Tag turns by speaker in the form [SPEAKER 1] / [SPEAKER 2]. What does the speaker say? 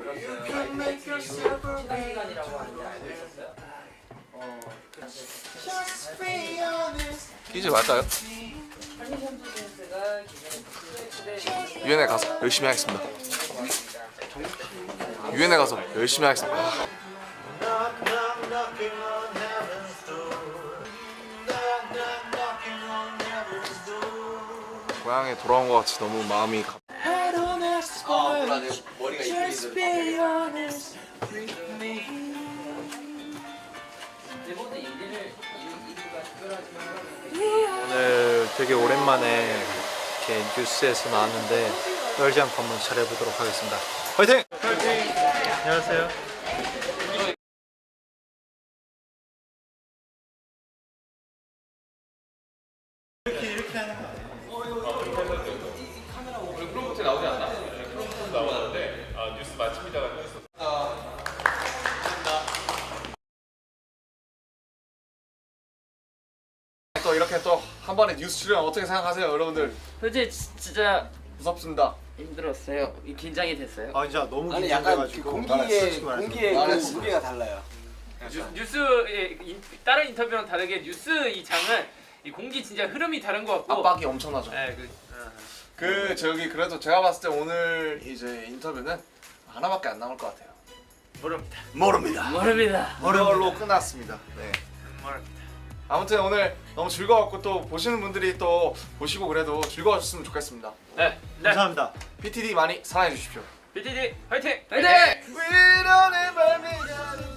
[SPEAKER 1] 들었어요. 시간이라고 하는데 알고 있었어요?
[SPEAKER 2] 퀴즈 맞아요? 유엔에 가서 열심히 하겠습니다. 유엔에 가서 열심히 하겠습니다. 고향에 돌아온 것 같이 너무 마음이
[SPEAKER 1] 몰라, 내 머리가
[SPEAKER 3] 오늘 되게 오랜만에 이렇게 뉴스에서 나왔는데 떨지 않고 한번 잘해보도록 하겠습니다. 화이팅! 화이팅! 안녕하세요.
[SPEAKER 2] 프로모트 나오지 않나? 프로모트 나오는데 뉴스 마칩니다가 떠있었어. 또 이렇게 또 한 번에 뉴스 출연 어떻게 생각하세요, 여러분들?
[SPEAKER 1] 솔직히 진짜
[SPEAKER 2] 무섭습니다.
[SPEAKER 1] 힘들었어요. 긴장이 됐어요.
[SPEAKER 3] 아 진짜 너무
[SPEAKER 4] 아니 약간 그
[SPEAKER 3] 긴장돼가지고
[SPEAKER 4] 공기의 그 무게가 달라요.
[SPEAKER 5] 뉴스의 다른 인터뷰랑 다르게 뉴스 이 장은 이 공기 진짜 흐름이 다른 것 같고
[SPEAKER 2] 압박이 엄청나죠.
[SPEAKER 5] 네,
[SPEAKER 2] 저기 그래도 제가 봤을 때 오늘 이제 인터뷰는 하나밖에 안 남을 것 같아요. 모릅니다. 이걸로 끝났습니다. 네. 아무튼 오늘 너무 즐거웠고 또 보시는 분들이 또 보시고 그래도 즐거워졌으면 좋겠습니다.
[SPEAKER 5] 네.
[SPEAKER 3] 감사합니다.
[SPEAKER 2] PTD 많이 사랑해 주십시오.
[SPEAKER 5] BTD 화이팅!
[SPEAKER 2] 네.